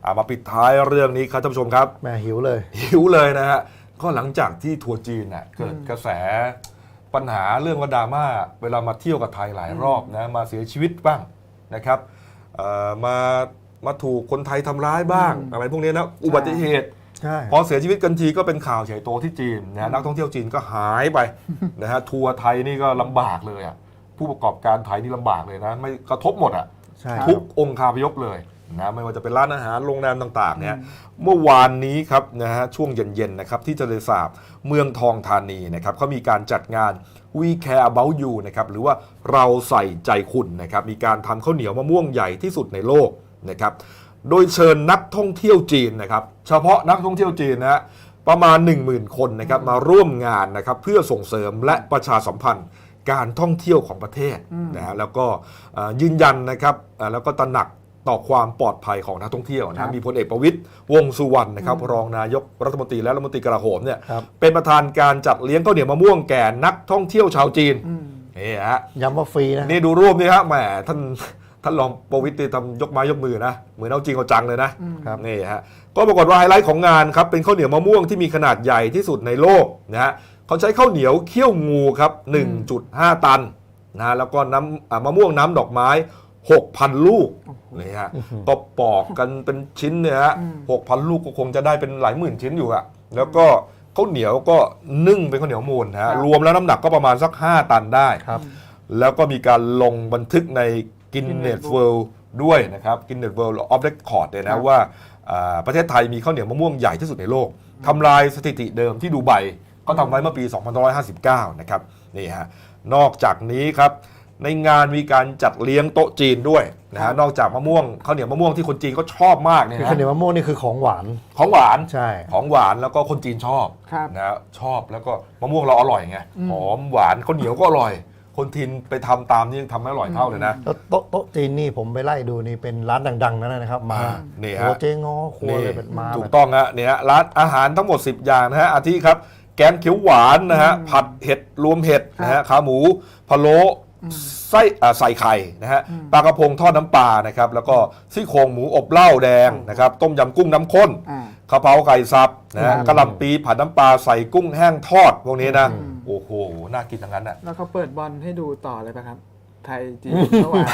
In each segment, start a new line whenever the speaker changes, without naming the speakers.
มาปิดท้ายเรื่องนี้ครับท่านผู้ชมครับ
แม่หิวเลย
นะฮะก็หลังจากที่ทัวร์จีนเกิดกระแสปัญหาเรื่องว่าดราม่าเวลามาเที่ยวกับไทยหลายรอบนะมาเสียชีวิตบ้างนะครับมาถูกคนไทยทำร้ายบ้างอะไรพวกนี้นะอุบัติเหตุพอเสียชีวิตกันทีก็เป็นข่าวใหญ่โตที่จีนนะนักท่องเที่ยวจีนก็หายไปนะฮะทัวร์ไทยนี่ก็ลำบากเลยผู้ประกอบการไทยนี่ลำบากเลยนะไม่กระทบหมดทุกองค์คาพยพเลยนะไม่ว่าจะเป็นร้านอาหารโรงแรมต่างๆเนี่ยเมื่อวานนี้ครับนะฮะช่วงเย็นๆนะครับที่ทะเลสาบเมืองทองธานีนะครับเขามีการจัดงาน We Care About You นะครับหรือว่าเราใส่ใจคุณนะครับมีการทำข้าวเหนียวมะม่วงใหญ่ที่สุดในโลกนะครับโดยเชิญนักท่องเที่ยวจีนนะครับเฉพาะนักท่องเที่ยวจีนนะประมาณ 10,000 คนนะครับมาร่วมงานนะครับเพื่อส่งเสริมและประชาสัมพันธ์การท่องเที่ยวของประเทศนะฮะแล้วก็ยืนยันนะครับแล้วก็ตระหนักต่อความปลอดภัยของนักท่องเที่ยวนะมีพลเอกประวิตรวงษ์สุวรรณนะครับรองนายกรัฐมนตรีและรัฐมนตรีกลาโหมเนี่ยเป็นประธานการจัดเลี้ยงข้าวเหนียวมะม่วงแก่นักท่องเที่ยวชาวจีนนี่ฮะ
ย้ำว่าฟรีนะ
นี่ดูรูปนี่ฮะแหมท่านรองประวิตรทำยกไม้ยกมือนะเหมือนเอาจริงเอาจังเลยนะนี่ฮะก็ปรากฏว่าไฮไลท์ของงานครับเป็นข้าวเหนียวมะม่วงที่มีขนาดใหญ่ที่สุดในโลกนะฮะเขาใช้ข้าวเหนียวเคี่ยวงูครับ 1.5 ตันนะแล้วก็น้ำมะม่วงน้ำดอกไม้ 6,000 ลูกนี่ฮะก็ปอกกันเป็นชิ้นเนี่ยฮะ 6,000 ลูกก็คงจะได้เป็นหลายหมื่นชิ้นอยู่อะแล้วก็ข้าวเหนียวก็นึ่งเป็นข้าวเหนียวมูลนะฮะรวมแล้วน้ำหนักก็ประมาณสัก5 ตันได้แล้วก็มีการลงบันทึกในGuinness World ด้วยนะครับ Guinness World of Record เลยนะว่าประเทศไทยมีข้าวเหนียวมะม่วงใหญ่ที่สุดในโลกทำลายสถิติเดิมที่ดูไบก็ทำไว้เมื่อปี 2559 นะครับนี่ฮะนอกจากนี้ครับในงานมีการจัดเลี้ยงโต๊ะจีนด้วยนะฮะนอกจากมะม่วงข้าวเหนียวมะม่วงที่คนจีนก็ชอบมากเนี่ย
ข้าวเหนียวมะม่วงนี่คือของหวาน
ใช่ของหวานแล้วก็คนจีนชอบนะชอบแล้วก็มะม่วงเราอร่อยไงหอมหวานข้าวเหนียวก็อร่อยคนทินไปทำตามนี่ยังทำไม่อร่อยเท่าเลยนะ
แล้วโต๊ะจีนนี่ผมไปไล่ดูนี่เป็นร้านดังๆนั่นนะครับมา
เนี่ย
ฮะเจ๊ง้อครัวเลยเป็นมา
ถูกต้องฮะเนี่ยร้านอาหารทั้งหมด10 อย่างนะฮะอาทิครับแกงเขียวหวานนะฮะผัดเห็ดรวมเห็ดนะฮะขาหมูพะโล้ใส่ไข่นะฮะปลากระพงทอดน้ำปลานะครับแล้วก็ซี่โครงหมูอบเหล้าแดงนะครับต้มยำกุ้งน้ำข้นกะเพราไก่สับนะฮะกะหล่ำปีผัดน้ำปลาใส่กุ้งแห้งทอดพวกนี้นะโอ้โหน่ากินทั้งนั้นอ่ะ
แล้วเขาเปิดบอลให้ดูต่อเลยป่ะครับไทยจีนเมื่อวาน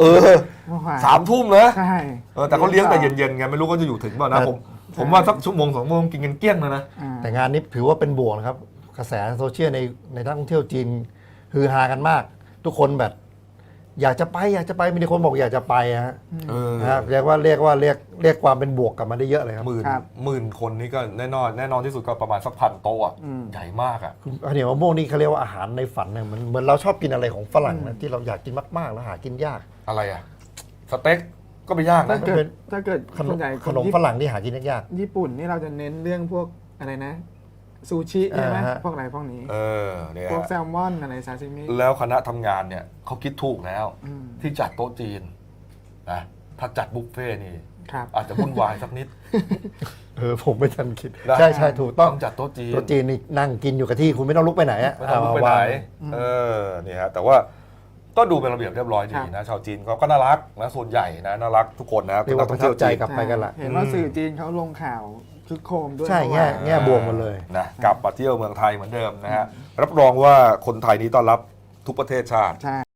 3 ทุ่มนะ
ใช่
แต่เขาเลี้ยงแต่เย็นๆไงไม่รู้เขาจะอยู่ถึงเปล่านะผมว่าสัก1-2 ชั่วโมงกินกันเกลี้ยงเลยนะ
แต่งานนี้ถือว่าเป็นบวกนะครับกระแสโซเชียลในนักท่องเที่ยวจีนฮือฮากันมากทุกคนแบบอยากจะไปมีคนบอกอยากจะไปฮะเรียกความเป็นบวกกลับมาได้เยอะเลยครับ
หมื่นคนนี่ก็แน่นอนที่สุดก็ประมาณสัก1,000 โต๊ะใหญ่มากอ่ะ
ข้าวเหนียวมะม่วงนี่เขาเรียกว่าอาหารในฝันเนี่ยเหมือนเราชอบกินอะไรของฝรั่งนะที่เราอยากกินมากๆแล้วหากินยาก
อะไรอ่ะสเต็กก็ไม่ยากนะ
ถ้าเกิด
ขนมฝรั่งที่หากินยาก
ญี่ปุ่นนี่เราจะเน้นเรื่องพวกอะไรนะซูชิใช่ไหมพวกอะไรพวกนี้
เนี่ย
พวกแซลมอนอะไรซาซิมิ
แล้วคณะทำงานเนี่ยเขาคิดถูกแล้วที่จัดโต๊ะจีนนะถ้าจัดบุฟเฟ่นี่อาจจะวุ่นวายสักนิด
ผมไม่ทันคิดใช่ถูกต้อง
จัดโต๊ะ
จีนนี่นั่งกินอยู่กับที่คุณไม่ต้องลุกไปไหน
ไม่ต้องลุกไปไหนนี่ฮะแต่ว่าก็ดูเป็นระเบียบเรียบร้อยดีนะชาวจีนเขาก็น่ารักนะส่วนใหญ่นะน่ารักทุกคนนะ
เป็นนักท่องเที่ยวใจกลับไปกันละ
เห็นว่าสื่อจีนเขาลงข่าวคึกโคมด้วย
ใช่แง่บวกหมดเลย
นะกลับมาเที่ยวเมืองไทยเหมือนเดิมนะฮะรับรองว่าคนไทยนี้ต้อนรับทุกประเทศชาติ